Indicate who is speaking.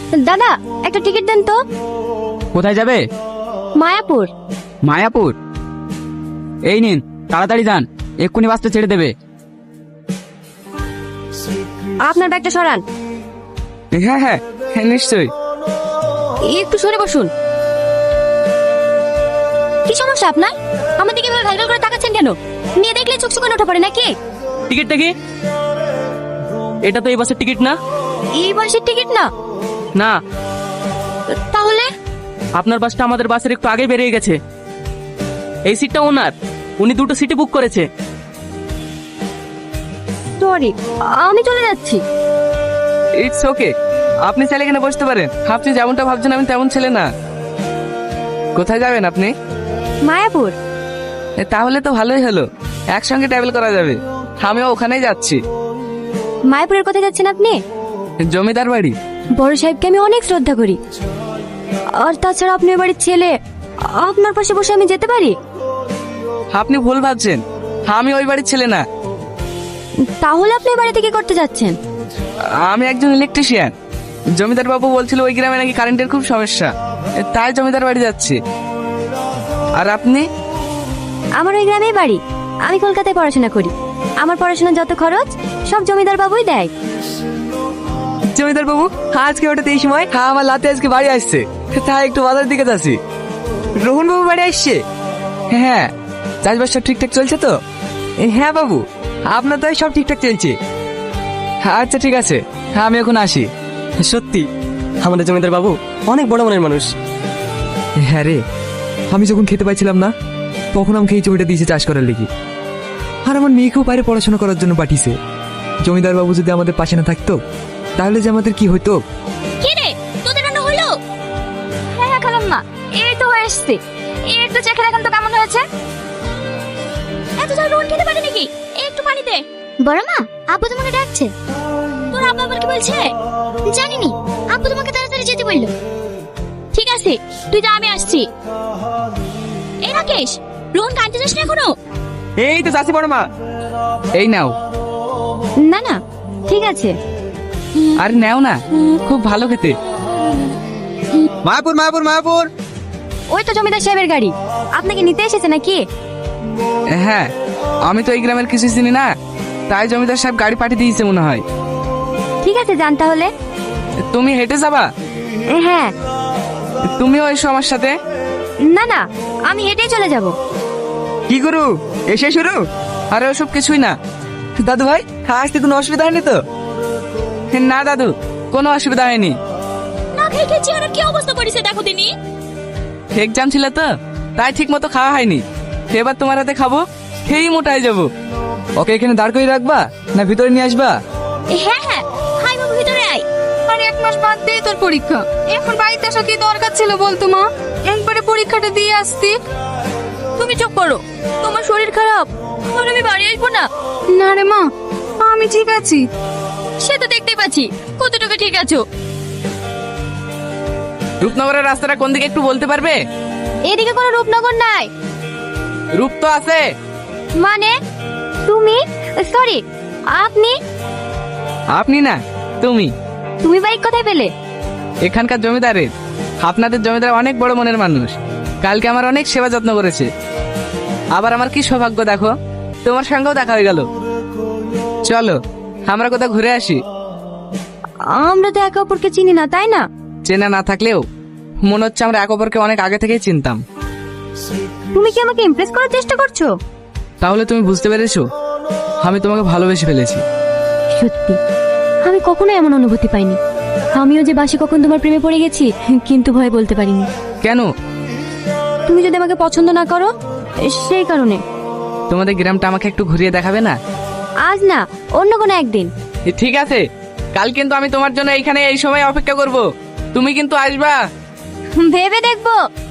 Speaker 1: দাদা একটা টিকিট দেন তো।
Speaker 2: কোথায় যাবে?
Speaker 1: মায়াপুর।
Speaker 2: মায়াপুর? এই নিন, তাড়াতাড়ি যান, এক্ষুনি বাসটা ছেড়ে দেবে।
Speaker 1: আপনার ব্যাগটা সরান।
Speaker 2: হ্যাঁ হ্যাঁ নিশ্চয়ই।
Speaker 1: একটু সরে বসুন। কি সমস্যা আপনার? আমার দিকে এভাবে ঘালঘাল করে তাকাচ্ছেন কেন? নিয়ে দেখলে চোখ শুকানো ওঠা পড়ে নাকি?
Speaker 3: টিকিটটা কি? এটা তো এই বাসের টিকিট না।
Speaker 1: এই বাসের টিকিট না?
Speaker 3: না,
Speaker 1: তাহলে?
Speaker 3: আপনার বাসটা আমাদের বাসের একটু আগে বেরিয়ে গেছে। এই সিটটা ওনার, উনি দুটো সিটে বুক করেছে।
Speaker 1: সরি, আমি চলে যাচ্ছি।
Speaker 2: ইটস ওকে, আপনি চাইলে এখানে বসতে পারেন। আপনি যেমনটা ভাবছেন আমি তেমন ছেলে না। কোথায় যাবেন আপনি?
Speaker 1: মায়াপুর।
Speaker 2: তাহলে তো ভালোই হলো, একসঙ্গে ট্রাভেল করা যাবে। আমিও ওখানেই যাচ্ছি।
Speaker 1: মায়াপুরের কোথায় যাচ্ছেন আপনি?
Speaker 2: জমিদার বাড়ি।
Speaker 1: বড় সাহেবকে আমি অনেক শ্রদ্ধা করি। আর তাছাড়া আপনি ওই বাড়ির ছেলে, আপনার পাশে বসে আমি যেতে পারি?
Speaker 2: আপনি ভুল ভাবছেন, আমি ওই বাড়ির ছেলে না।
Speaker 1: তাহলে আপনি ওই বাড়িতে কি করতে যাচ্ছেন?
Speaker 2: আমি একজন ইলেকট্রিশিয়ান। জমিদার বাবু বলছিল ওই গ্রামে নাকি কারেন্টের খুব সমস্যা, তাই জমিদার বাড়ি যাচ্ছি। আর আপনি?
Speaker 1: আমার ওই গ্রামেই বাড়ি। আমি কলকাতায় পড়াশোনা করি। আমার পড়াশোনার যত খরচ সব জমিদার বাবুই দেয়।
Speaker 2: জমিদার বাবু আজকে হঠাৎ এই সময়? হ্যাঁ, আমার লাতে আজকে বাড়ি আসছে, তাই একটু বাজার দিকে যাচ্ছি। রোহন বাবু বাড়ি আসছে? হ্যাঁ। চাষবাস সব ঠিকঠাক চলছে তো? হ্যাঁ বাবু, আপনার তো সব ঠিকঠাক চলছে। আচ্ছা ঠিক আছে, হ্যাঁ আমি এখন আসি।
Speaker 4: সত্যি আমাদের জমিদার বাবু অনেক বড় মনের মানুষ।
Speaker 5: হ্যাঁ রে, আমি যখন খেতে পাইছিলাম না তখন আমাকে এই জমিটা দিয়েছে চাষ করার লেগে। আর আমার মেয়েকেও বাইরে পড়াশোনা করার জন্য পাঠিয়েছে। জমিদার বাবু যদি আমাদের পাশে না থাকতো তাহলে যে আমাদের কি হতো।
Speaker 1: কি রে, তোদের রান্না হলো? হ্যাঁ হ্যাঁ খালাম না, এই তো হয়ে এসছে। এই একটু চেখে দেখেন তো কেমন হয়েছে। এত ঝাল রোহন খেতে পারে নাকি? একটু পানি দে। বড় মা, আব্বু তোমাকে ডাকছে। তোর আব্বু আবার কি বলছে? জানিনি, আব্বু তোমাকে তাড়াতাড়ি যেতে বললো। ঠিক আছে, তুই যা, আমি আসছি। এই রাকেশ, রোহন কাঁদতে যাস না এখনো?
Speaker 2: এই তো চাষি বড় মা, এই নাও।
Speaker 1: না না, ঠিক আছে।
Speaker 2: আর নাও না, খুব ভালো খেতে।
Speaker 4: মায়াপুর মায়াপুর মায়াপুর।
Speaker 1: ওই তো জমিদার সাহেবের গাড়ি। আপনাকে নিতে এসেছে নাকি?
Speaker 2: হ্যাঁ, আমি তো এই গ্রামের কিছু চিনি না, তাই জমিদার সাহেব গাড়ি পাঠিয়ে দিয়েছে মনে হয়।
Speaker 1: ঠিক আছে, যান তাহলে।
Speaker 2: তুমি হেঁটে যাবা?
Speaker 1: হ্যাঁ।
Speaker 2: তুমিও এসো আমার সাথে।
Speaker 1: না না, আমি হেঁটেই চলে যাব।
Speaker 2: কি করু, এসে শুরু? আরে ওসব কিছুই না। দাদু ভাই, আসতে কোনো অসুবিধা হয়নি তো? না দাদু, কোনো অসুবিধা হয়নি।
Speaker 1: না খেয়ে খেয়ে চেহারার কি অবস্থা করেছে দেখো দিনি।
Speaker 2: এক্সাম ছিল তো, তাই ঠিক মতো খাওয়া হয়নি। এবার তোমার হাতে খাবো, খেয়েই মোটায় যাবো। ওকে এখানে দাঁড় করে রাখবা না ভিতরে নিয়ে আসবা?
Speaker 1: হ্যাঁ হ্যাঁ, হাই বাবু ভিতরে আয়।
Speaker 6: আর 1 মাস বাদ দিয়ে তোর পরীক্ষা, এখন বাড়িতে আসা কি দরকার ছিল বলতো মা? একবারে পরীক্ষাটা দিয়ে আসতি।
Speaker 1: তুমি চুপ করো, তোমার শরীর খারাপ, আর আমি বাড়ি আসবো না।
Speaker 6: না রে মা, আমি ঠিক আছি।
Speaker 1: সে তো দেখতেই পাচ্ছি কতটুকু ঠিক আছো।
Speaker 2: রূপনগরের রাস্তাটা কোন দিকে একটু বলতে পারবে?
Speaker 1: এদিকে কোনো রূপনগর নাই।
Speaker 2: রূপ তো আছে।
Speaker 1: মানে তুমি? সরি, আপনি?
Speaker 2: আপনি না, তুমি।
Speaker 1: তুমি বাইক কোথায় পেলে?
Speaker 2: এখানকার জমিদারের। আপনাদের জমিদার অনেক বড় মনের মানুষ। কালকে আমার অনেক সেবা যত্ন করেছে। আবার আমার কি সৌভাগ্য দেখো, তোমার সঙ্গেও দেখা হয়ে গেল। চলো আমরা কোথাও ঘুরে আসি।
Speaker 1: আমরা তো একে অপরকে চিনি না, তাই না?
Speaker 2: চেনা না থাকলেও মনে হচ্ছে আমরা এক অপরকে অনেক আগে থেকেই চিনতাম।
Speaker 1: তুমি কি আমাকে ইমপ্রেস করার চেষ্টা করছো?
Speaker 2: তাহলে তুমি বুঝতে পেরেছো আমি তোমাকে ভালোবেসে ফেলেছি।
Speaker 1: সত্যি, আমি কখনো এমন অনুভূতি পাইনি। আমিও যে বাসি কখন তোমার প্রেমে পড়ে গেছি, কিন্তু ভয় বলতে পারিনি।
Speaker 2: কেন?
Speaker 1: তুমি যদি আমাকে পছন্দ না করো, সেই কারণে।
Speaker 2: তোমাদের গ্রামটা আমাকে একটু ঘুরিয়ে দেখাবে না?
Speaker 1: আজ না, অন্য কোনো একদিন।
Speaker 2: ঠিক আছে, কাল কিন্তু আমি তোমার জন্য এইখানে এই সময় অপেক্ষা করব। তুমি কিন্তু আসবা।
Speaker 1: ভেবে দেখবো।